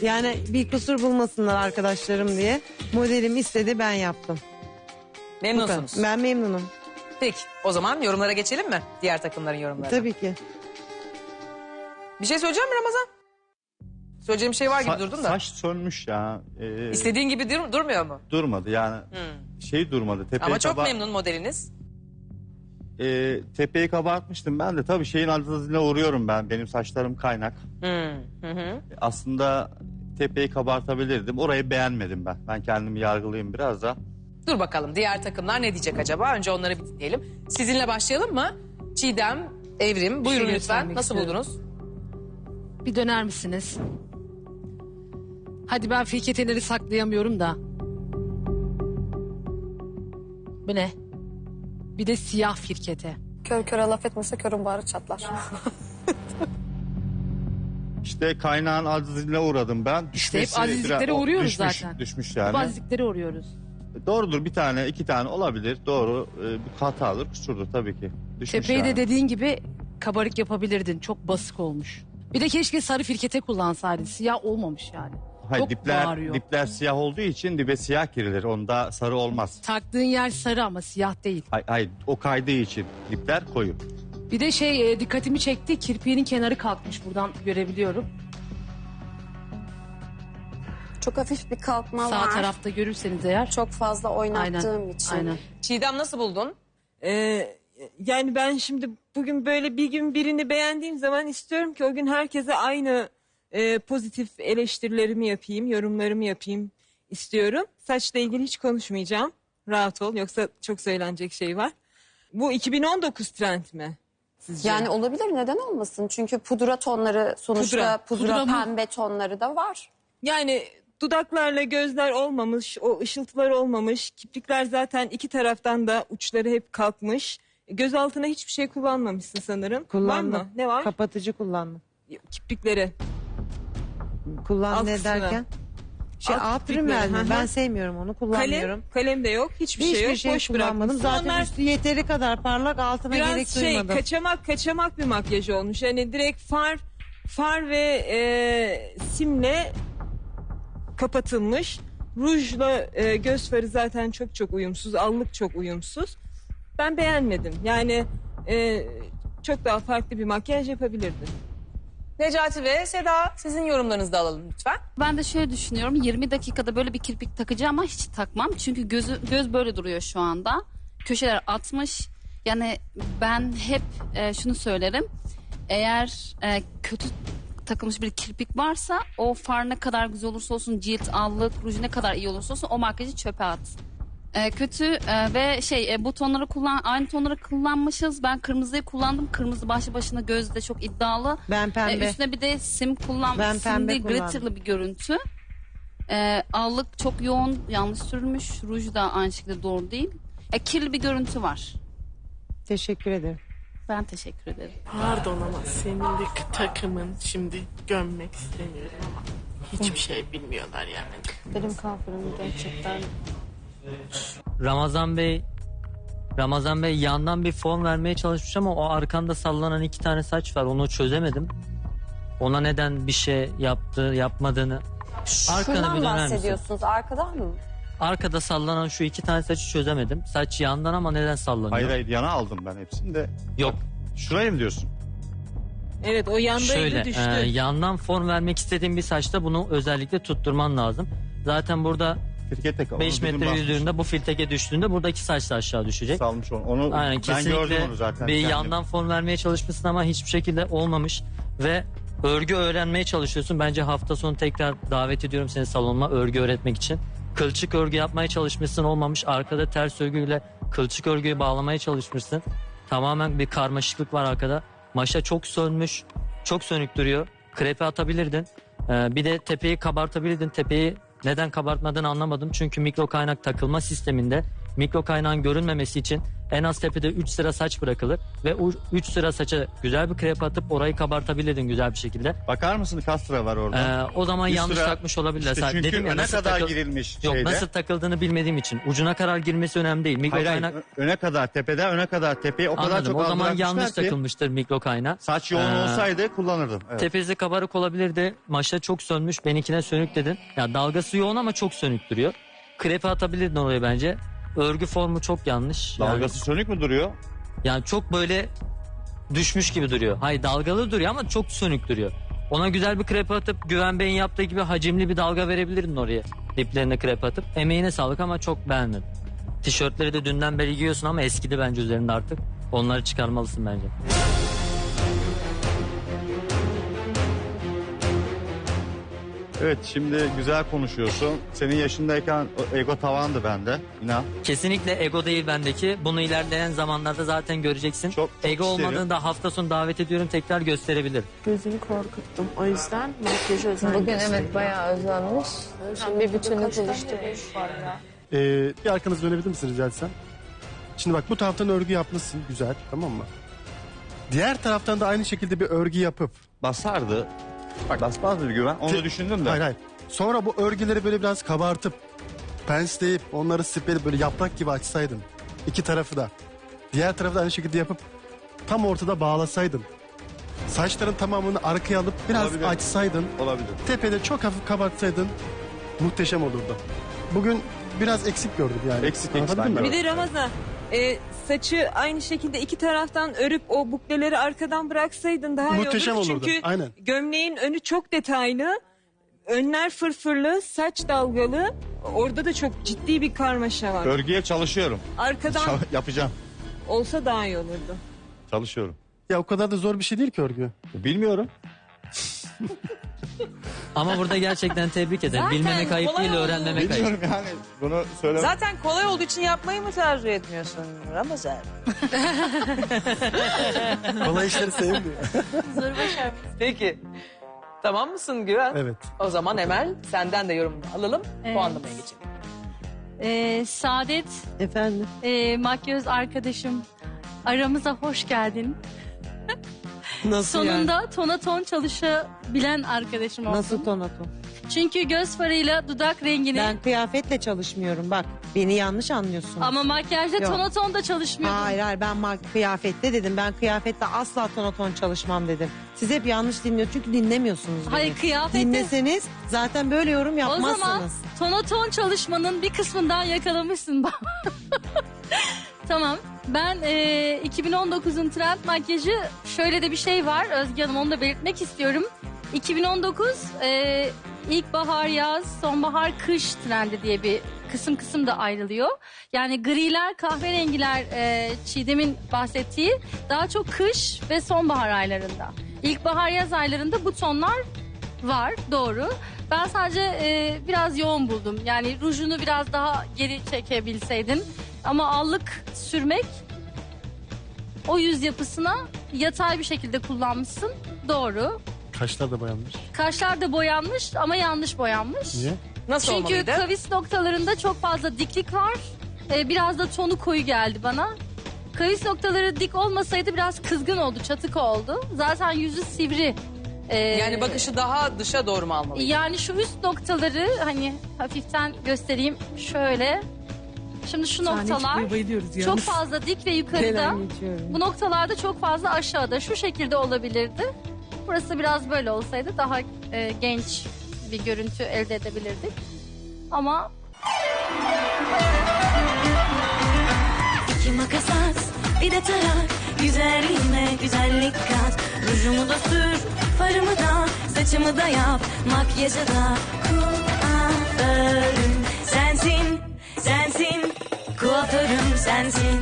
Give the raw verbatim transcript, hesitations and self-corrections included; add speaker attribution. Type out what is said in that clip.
Speaker 1: Yani bir kusur bulmasınlar arkadaşlarım diye. Modelim istedi, ben yaptım.
Speaker 2: Memnunsunuz.
Speaker 1: Ben memnunum.
Speaker 2: Peki o zaman yorumlara geçelim mi? Diğer takımların yorumlarına.
Speaker 1: Tabii ki.
Speaker 2: Bir şey söyleyeceğim mi Ramazan? Söyleyeceğim bir şey var gibi
Speaker 3: Sa-
Speaker 2: durdun da.
Speaker 3: Saç sönmüş ya. Ee,
Speaker 2: İstediğin gibi dur durmuyor mu?
Speaker 3: Durmadı yani.
Speaker 2: Hmm.
Speaker 3: Şey durmadı. Tepeye
Speaker 2: Ama çok
Speaker 3: kaba-
Speaker 2: memnun modeliniz.
Speaker 3: Ee, tepeyi kabartmıştım ben de. Tabii şeyin altına uğruyorum ben. Benim saçlarım kaynak.
Speaker 2: Hmm. Hı hı.
Speaker 3: Aslında tepeyi kabartabilirdim. Orayı beğenmedim ben. Ben kendimi yargılayayım biraz da.
Speaker 2: Dur bakalım diğer takımlar ne diyecek acaba? Önce onları bir dinleyelim. Sizinle başlayalım mı? Çiğdem, Evrim buyurun
Speaker 1: şey
Speaker 2: lütfen.
Speaker 1: göstermek
Speaker 2: Nasıl
Speaker 1: istiyorum.
Speaker 2: buldunuz?
Speaker 4: Bir döner misiniz? Hadi ben firketeleri saklayamıyorum da. Bu ne? Bir de siyah firkete.
Speaker 5: Kör köre laf etmese körün bağrı çatlar.
Speaker 3: İşte kaynağın azizliğine uğradım ben.
Speaker 4: İşte hep
Speaker 3: Düşmesi
Speaker 4: azizliklere
Speaker 3: biraz- o
Speaker 4: uğruyoruz
Speaker 3: düşmüş,
Speaker 4: zaten.
Speaker 3: Düşmüş yani.
Speaker 4: Bazılıkları uğruyoruz.
Speaker 3: Doğrudur, bir tane iki tane olabilir. Doğru, ee, bir hatadır, kusurdur tabii ki. Düşmüş
Speaker 4: Tepeyi
Speaker 3: yani.
Speaker 4: de dediğin gibi kabarık yapabilirdin. Çok basık olmuş. Bir de keşke sarı firkete kullansaydın. Siyah olmamış yani.
Speaker 3: Hayır,
Speaker 4: Çok
Speaker 3: dipler,
Speaker 4: bağırıyor.
Speaker 3: dipler siyah olduğu için dibe siyah girilir. Onda sarı olmaz.
Speaker 4: Taktığın yer sarı ama siyah değil.
Speaker 3: Hayır, hayır, o kaydığı için dipler koyu.
Speaker 4: Bir de şey e, dikkatimi çekti. Kirpiğinin kenarı kalkmış. Buradan görebiliyorum.
Speaker 5: Çok hafif bir kalkma
Speaker 4: Sağ
Speaker 5: var.
Speaker 4: tarafta görürseniz eğer.
Speaker 5: Çok fazla oynattığım için.
Speaker 4: Aynen.
Speaker 2: Çiğdem nasıl buldun?
Speaker 6: Ee, yani ben şimdi bugün böyle bir gün birini beğendiğim zaman istiyorum ki o gün herkese aynı e, pozitif eleştirilerimi yapayım, yorumlarımı yapayım istiyorum. Saçla ilgili hiç konuşmayacağım. Rahat ol, yoksa çok söylenecek şey var. Bu iki bin on dokuz trend mi sizce?
Speaker 5: Yani olabilir, neden olmasın? Çünkü pudra tonları sonuçta
Speaker 6: Pudra.
Speaker 5: pudra,
Speaker 4: Pudra mı?
Speaker 5: pembe tonları da var.
Speaker 6: Yani dudaklarla gözler olmamış, o ışıltılar olmamış. Kirpikler zaten iki taraftan da uçları hep kalkmış. Göz altına hiçbir şey kullanmamışsın sanırım.
Speaker 1: Kullandım.
Speaker 6: Var mı? Ne var?
Speaker 1: Kapatıcı kullandım.
Speaker 6: Kirpikleri.
Speaker 1: Kullan
Speaker 6: Alt
Speaker 1: ne
Speaker 6: kısmı.
Speaker 1: derken? Şey
Speaker 6: Alt
Speaker 1: alt
Speaker 6: kirpikleri,
Speaker 1: rimel
Speaker 6: hı
Speaker 1: mi?
Speaker 6: hı.
Speaker 1: Ben sevmiyorum onu, kullanmıyorum.
Speaker 6: Kalem, kalem de yok. Hiçbir,
Speaker 1: Hiçbir
Speaker 6: şey yok.
Speaker 1: şey
Speaker 6: Boş
Speaker 1: kullanmadım.
Speaker 6: bırakmışsın.
Speaker 1: Zaten
Speaker 6: Onlar
Speaker 1: üstü yeteri kadar parlak, altına gerek
Speaker 6: biraz şey
Speaker 1: duymadım.
Speaker 6: kaçamak kaçamak bir makyaj olmuş. Yani direkt far far ve e, simle kapatılmış. Rujla e, göz farı zaten çok çok uyumsuz. Allık çok uyumsuz. Ben beğenmedim. Yani e, çok daha farklı bir makyaj yapabilirdin.
Speaker 2: Necati ve Seda sizin yorumlarınızı da alalım lütfen.
Speaker 7: Ben de şöyle düşünüyorum. yirmi dakikada böyle bir kirpik takacağım ama hiç takmam. Çünkü gözü, göz böyle duruyor şu anda. Köşeler atmış. Yani ben hep e, şunu söylerim. Eğer e, kötü takılmış bir kirpik varsa o far ne kadar güzel olursa olsun, cilt, allık, ruj ne kadar iyi olursa olsun o makyajı çöpe at. E, kötü e, ve şey e, bu tonları kullan aynı tonları kullanmışız. Ben kırmızıyı kullandım. Kırmızı başlı başına gözde çok iddialı.
Speaker 1: Ben pembe.
Speaker 7: E, üstüne bir de sim kullan,
Speaker 1: Ben
Speaker 7: sim
Speaker 1: pembe
Speaker 7: değil,
Speaker 1: kullandım.
Speaker 7: glitterlı bir görüntü. E, allık çok yoğun, yanlış sürülmüş. Ruj da aynı şekilde doğru değil. E, kirli bir görüntü var.
Speaker 1: Teşekkür ederim.
Speaker 7: Ben teşekkür ederim.
Speaker 8: Pardon ama senin de takımın şimdi gömmek istemiyorum ama hiçbir şey bilmiyorlar yani.
Speaker 5: Benim kalfırım gerçekten.
Speaker 9: Ramazan Bey Ramazan Bey yandan bir fon vermeye çalışmış ama o arkanda sallanan iki tane saç var, onu çözemedim. Ona neden bir şey yaptı yapmadığını. Arkanı
Speaker 5: Şundan
Speaker 9: bir döner misin?
Speaker 5: bahsediyorsunuz, arkadan mı?
Speaker 9: Arkada sallanan şu iki tane saçı çözemedim. Saç yandan ama neden sallanıyor?
Speaker 3: Hayır hayır, yana aldım ben hepsini de.
Speaker 9: Yok.
Speaker 3: Şurayı mı diyorsun?
Speaker 6: Evet, o yandaydı,
Speaker 9: Şöyle
Speaker 6: düştü.
Speaker 9: e, yandan form vermek istediğim bir saçta bunu özellikle tutturman lazım. Zaten burada
Speaker 3: Firkete kal.
Speaker 9: beş
Speaker 3: Onu bizim
Speaker 9: metre
Speaker 3: basmış.
Speaker 9: yüzüğünde bu filteke düştüğünde buradaki saç da aşağı düşecek.
Speaker 3: Salmış onu. Onu
Speaker 9: Aynen,
Speaker 3: ben
Speaker 9: kesinlikle
Speaker 3: gördüm onu zaten.
Speaker 9: bir
Speaker 3: kendim.
Speaker 9: yandan form vermeye çalışmışsın ama hiçbir şekilde olmamış ve örgü öğrenmeye çalışıyorsun. Bence hafta sonu tekrar davet ediyorum seni salonuma örgü öğretmek için. Kılçık örgü yapmaya çalışmışsın, olmamış. Arkada ters örgüyle kılçık örgüyü bağlamaya çalışmışsın. Tamamen bir karmaşıklık var arkada. Maşa çok sönmüş, çok sönük duruyor. Krepe atabilirdin. Ee, bir de tepeyi kabartabilirdin. Tepeyi neden kabartmadığını anlamadım. Çünkü mikro kaynak takılma sisteminde mikro kaynağın görünmemesi için En az tepede üç sıra saç bırakılır ve üç sıra saça güzel bir krep atıp orayı kabartabilirdin güzel bir şekilde.
Speaker 3: Bakar mısın kaç sıra var orada?
Speaker 9: Ee, o zaman
Speaker 3: Bir
Speaker 9: yanlış
Speaker 3: sıra-
Speaker 9: takmış olabilirler.
Speaker 3: İşte çünkü
Speaker 9: Dedim ya,
Speaker 3: öne
Speaker 9: nasıl
Speaker 3: kadar
Speaker 9: takıl-
Speaker 3: girilmiş
Speaker 9: Yok
Speaker 3: şeyde.
Speaker 9: nasıl takıldığını bilmediğim için. Ucuna kadar girmesi önemli değil. Mikro
Speaker 3: Hayır, hayır,
Speaker 9: kaynak
Speaker 3: ö- öne kadar tepeden öne kadar tepeye o kadar
Speaker 9: anladım.
Speaker 3: çok
Speaker 9: O zaman
Speaker 3: aldırakmışlar
Speaker 9: yanlış
Speaker 3: ki
Speaker 9: takılmıştır mikro kaynağı.
Speaker 3: saç yoğun
Speaker 9: Ee,
Speaker 3: olsaydı kullanırdım. Evet.
Speaker 9: Tepesi kabarık olabilirdi. Maşa çok sönmüş. Benimkine sönük dedin. Ya dalgası yoğun ama çok sönük duruyor. Krepe atabilirdin oraya bence. Örgü formu çok yanlış. Yani-
Speaker 3: Dalgası sönük mü duruyor?
Speaker 9: Yani çok böyle düşmüş gibi duruyor. Hayır dalgalı duruyor ama çok sönük duruyor. Ona güzel bir krepe atıp Güven Bey'in yaptığı gibi hacimli bir dalga verebilirdin oraya. Diplerine krepe atıp. Emeğine sağlık ama çok beğendim. Tişörtleri de dünden beri giyiyorsun ama eskidi bence üzerinde artık. Onları çıkarmalısın bence.
Speaker 3: Evet şimdi güzel konuşuyorsun. Senin yaşındayken o ego tavandı bende. İnan.
Speaker 9: Kesinlikle ego değil bendeki. Bunu ilerleyen zamanlarda zaten göreceksin.
Speaker 3: Çok- çok
Speaker 9: ego
Speaker 3: isterim.
Speaker 9: olmadığını da hafta sonu davet ediyorum tekrar gösterebilir.
Speaker 8: Gözünü korkuttum. O yüzden makyajı özen
Speaker 5: Bugün
Speaker 8: gösterdim.
Speaker 5: evet bayağı özenmiş. Şimdi bir bütünü buluşturmuş.
Speaker 10: Ee, bir arkanızı dönebilir misin rica etsem? Şimdi bak bu taraftan örgü yapmışsın güzel tamam mı? Diğer taraftan da aynı şekilde bir örgü yapıp
Speaker 3: Basardı. Bak basmazdı bir güven. Onu
Speaker 10: Te-
Speaker 3: düşündüm de.
Speaker 10: hayır hayır. Sonra bu örgüleri böyle biraz kabartıp pensleyip onları spreleyip böyle yaprak gibi açsaydın. İki tarafı da. Diğer tarafı da aynı şekilde yapıp tam ortada bağlasaydın. Saçların tamamını arkaya alıp biraz
Speaker 3: Olabilir.
Speaker 10: açsaydın.
Speaker 3: Olabilir.
Speaker 10: Tepede çok hafif kabartsaydın muhteşem olurdu. Bugün biraz eksik gördüm yani.
Speaker 3: Eksik, eksik
Speaker 10: Anlatabildim
Speaker 3: ben
Speaker 10: mi?
Speaker 6: Bir de Ramazan e, saçı aynı şekilde iki taraftan örüp o bukleleri arkadan bıraksaydın daha
Speaker 10: Muhteşem
Speaker 6: iyi olur.
Speaker 10: olurdu,
Speaker 6: Çünkü
Speaker 10: aynen.
Speaker 6: gömleğin önü çok detaylı. Önler fırfırlı, saç dalgalı. Orada da çok ciddi bir karmaşa var.
Speaker 3: Örgüye çalışıyorum.
Speaker 6: Arkadan
Speaker 3: Çal- yapacağım.
Speaker 6: olsa daha iyi olurdu.
Speaker 3: Çalışıyorum.
Speaker 10: Ya o kadar da zor bir şey değil ki örgü.
Speaker 3: Bilmiyorum.
Speaker 9: Ama burada gerçekten tebrik ederim.
Speaker 2: Zaten
Speaker 9: Bilmemek ayıp
Speaker 2: kolay
Speaker 9: değil,
Speaker 2: oldu.
Speaker 9: öğrenmemek ayıp.
Speaker 3: Bilmiyorum yani bunu söyle.
Speaker 2: Zaten kolay olduğu için yapmayı mı tercih etmiyorsun Ramazan?
Speaker 10: Kolay işleri sevmiyor.
Speaker 2: Peki. Tamam mısın Güven?
Speaker 10: Evet.
Speaker 2: O zaman Emel senden de yorumunu alalım.
Speaker 7: Evet.
Speaker 2: Puanlamaya geçelim.
Speaker 7: Ee, Saadet,
Speaker 1: Efendim.
Speaker 7: e, makyöz arkadaşım, aramıza hoş geldin.
Speaker 1: Nasıl
Speaker 7: Sonunda
Speaker 1: yani?
Speaker 7: tona ton çalışabilen arkadaşım oldun.
Speaker 1: Nasıl tonaton?
Speaker 7: Çünkü göz farıyla dudak rengini
Speaker 1: Ben kıyafetle çalışmıyorum bak. Beni yanlış anlıyorsun.
Speaker 7: ama makyajda
Speaker 1: Yok.
Speaker 7: tona ton da çalışmıyordun.
Speaker 1: Hayır hayır ben ma- kıyafette dedim. Ben kıyafette asla tonaton çalışmam dedim. Siz hep yanlış dinliyorsunuz çünkü dinlemiyorsunuz beni.
Speaker 7: Hayır, kıyafette-
Speaker 1: Dinleseniz zaten böyle yorum
Speaker 7: O
Speaker 1: yapmazsınız.
Speaker 7: zaman tona ton çalışmanın bir kısmından yakalamışsın. Tamam. Ben e, iki bin on dokuzun trend makyajı şöyle de bir şey var. Özge Hanım onu da belirtmek istiyorum. iki bin on dokuz e, ilkbahar, yaz, sonbahar, kış trendi diye bir kısım kısım da ayrılıyor. Yani griler, kahverengiler e, Çiğdem'in bahsettiği daha çok kış ve sonbahar aylarında. İlkbahar, yaz aylarında bu tonlar var, doğru. Ben sadece e, biraz yoğun buldum. Yani rujunu biraz daha geri çekebilseydin. Ama allık sürmek o yüz yapısına yatay bir şekilde kullanmışsın. Doğru.
Speaker 10: Kaşlar da boyanmış.
Speaker 7: Kaşlar da boyanmış ama yanlış boyanmış.
Speaker 10: Niye?
Speaker 2: Nasıl
Speaker 7: Çünkü
Speaker 2: olmalıydı?
Speaker 7: kavis noktalarında çok fazla diklik var. Ee, biraz da tonu koyu geldi bana. Kavis noktaları dik olmasaydı biraz kızgın oldu, çatık oldu. Zaten yüzü sivri. Ee,
Speaker 2: Yani bakışı daha dışa doğru mu almalıydı?
Speaker 7: Yani şu üst noktaları hani hafiften göstereyim şöyle. Şimdi şu noktalar çok fazla dik ve yukarıda. Bu noktalarda çok fazla aşağıda. Şu şekilde olabilirdi. Burası biraz böyle olsaydı daha e, genç bir görüntü elde edebilirdik. Ama
Speaker 11: İki makas at, bir de tarak. Güzelliğime güzellik kat. Rujumu da sür, farımı da, saçımı da yap. Makyajı da kuaförüm sensin, sensin. Kuaförüm sensin.